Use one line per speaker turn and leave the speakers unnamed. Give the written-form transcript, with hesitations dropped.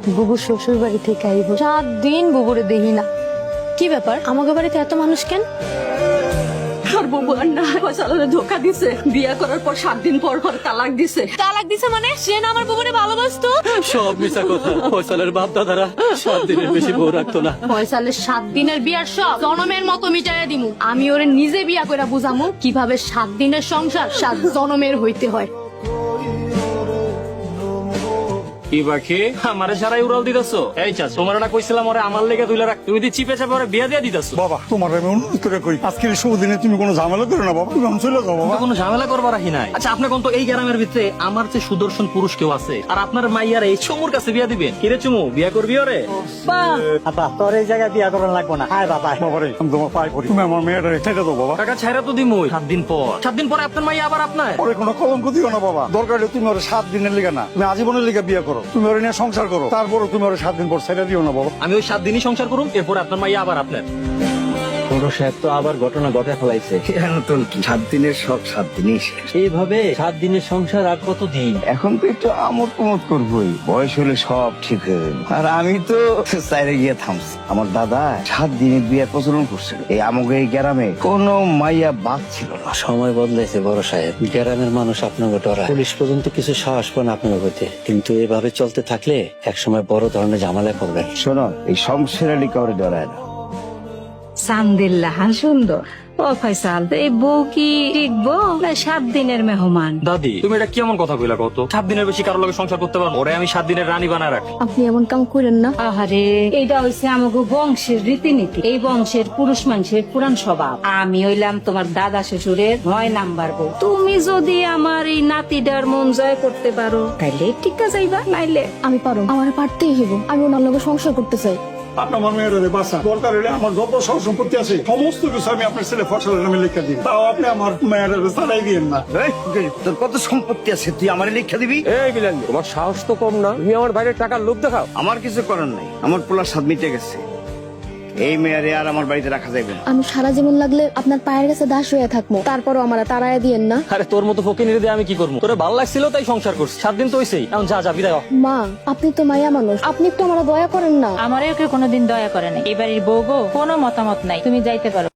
বুবু শ্বশুর বাড়ি থেকে আইব, 7 দিন বুবুরে দেখি না। কি ব্যাপার, আমাকে বাড়িতে এত মানুষ কেন?
আর বাবু আর না ফয়সালের ধোকা দিছে, বিয়া করার পর 7 দিন পর পর তালাক দিছে।
তালাক দিছে মানে? সে না আমার বুবুরে ভালোবাসতো?
সব মিছা কথা। ফয়সালের বাপ দাদারা 7 দিনের বেশি বউ রাখতো না।
ফয়সালের 7 দিনের বিয়ার সব জনমের মতো মিটাইয়া দিমু। আমি ওরে নিজে বিয়া কইরা বুঝামু কিভাবে 7 দিনের সংসার 7 জনমের হইতে হয়।
কি বাকি আমারে সারাই উড়াল দিতেছো? এই চাচ, তোমার না কইছিলাম ওরে আমার লেগে তুইলা রাখ, তুমি দি চিপে চাপে ওরে বিয়া দিয়া দিতেছো।
বাবা তোমার আমি অনুরোধ করে কই, আজকের এই শুভ দিনে তুমি কোনো ঝামেলা করো না বাবা, তুমি আমি চলে যাও বাবা।
কোনো ঝামেলা করবার রাখি নাই। আচ্ছা আপনি কোন তো এই গ্রামের ভিতরে আমার যে সুদর্শন পুরুষ কেউ আছে, আর আপনার মাইয়ার এই চুমুর কাছে বিয়া দিবেন? কিরে চুমু, বিয়া করবি ওরে?
বাবা তোর এই জায়গায় বিয়া করার লাগবো না, হায় বাবা।
বাবা রে, আমি তোমার পায়ে পড়ি, তুমি আমার মেয়েটা ছেড়ে দাও বাবা।
টাকা ছাইরা তো দিমুই 7 দিন পর। 7 দিন পরে আপনার মাইয়া আবার আপনার।
পরে কোনো কলঙ্ক দিও না বাবা, দরকার হলে তুমি ওর 7 দিনের লিগা না, তুমি আজীবনের লিগা বিয়ে করো, তুমি ওর নিয়ে সংসার করো, তারপরে তুমি ওর 7 দিন পর ছেড়ে দিও না বাবা।
আমি ওই 7 দিনই সংসার করুম, এরপর আপনার মাইয়া আবার আপনার।
বড় সাহেব তো আবার ঘটনা ঘটে ফেলাইছে।
নতুন কি 7 দিনের সব 7 দিনই শেষ।
এইভাবে 7 দিনের সংসার আর কত দিন?
এখন তো একটু আমোদ প্রমোদ করবোই, বয়স হলে সব ঠিক হয়ে যাবে। আর আমি তো চাইরে গিয়ে থামছি। আমার দাদা 7 দিনের বিয়ের প্রচলন করছিল। এই আমাকে এই গ্রামে কোনো মাইয়া বাদ ছিল না।
সময় বদলাইছে বড় সাহেব, গ্রামের মানুষ আপনাকে ডরায়, পুলিশ পর্যন্ত কিছু সাহস পান আপনার প্রতি। কিন্তু এভাবে চলতে থাকলে একসময় বড় ধরনের ঝামেলা করবেন।
শোনো, এই শমশের আলী কাউরে ডরায় না।
সান্দিল্লাহ সুন্দর। ও ফয়সাল, এই বউ কি টিকবো না 7 দিনের মেহমান?
দাদি তুমি এটা কেমন কথা কইলা কত? 7 দিনের বেশি কারোর লগে সংসার করতে পারবো? ওরে আমি 7 দিনের রানী বানায় রাখি।
আপনি এমন কাম করেন না।
আহারে, এইটা হইছে আমাগো বংশের রীতিনীতি। এই বংশের পুরুষ মানুষের পুরান স্বভাব। আমি হইলাম তোমার দাদা শ্বশুরের 9 নাম্বার বউ। তুমি যদি আমার এই নাতিটার মন জয় করতে পারো তাইলে টিকা যাইবা, নাইলে
আমি পারো, আমার পারতেই হইব। আমি ওনার লগে সংসার করতে চাই।
আপনি আমার মেয়েটারে বাঁচান, দরকার হলে আমার যত সব সম্পত্তি আছে সমস্ত কিছু আমি আপনার ছেলে ফসলের নামে লিখে দিই, তাও আপনি আমার মেয়েটারে চালাই দিয়েন না।
এই, তোর কত সম্পত্তি আছে, তুই আমার লিখে দিবি?
এই বিলাল, তোমার সাহস তো কম না, তুমি আমার বাইরে টাকার লোভ দেখাও।
আমার কিছু করার নাই, আমার পোলার স্বাদ মিটে গেছে। এই মেয়ারে আর আমার বাড়িতে রাখা যাবে না।
আমি সারা জীবন লাগলে আপনার পায়ের কাছে দাস হয়ে থাকবো, তারপরও আমার তাড়ায় দিয়েন না।
আরে তোর মতো ফকির দিয়ে আমি কি করবো? তোরে ভালো লাগছিল তাই সংসার করছি। 7 দিন তো হইছেই, এখন যা যা বিদায় হ।
মা, আপনি তো মায়া মানুষ, আপনি একটু আমার দয়া করেন না।
আমারও কেউ কোনোদিন দয়া করে নাই। এই বাড়ির বউ গো, কোনো মতামত নাই, তুমি যাইতে পারো।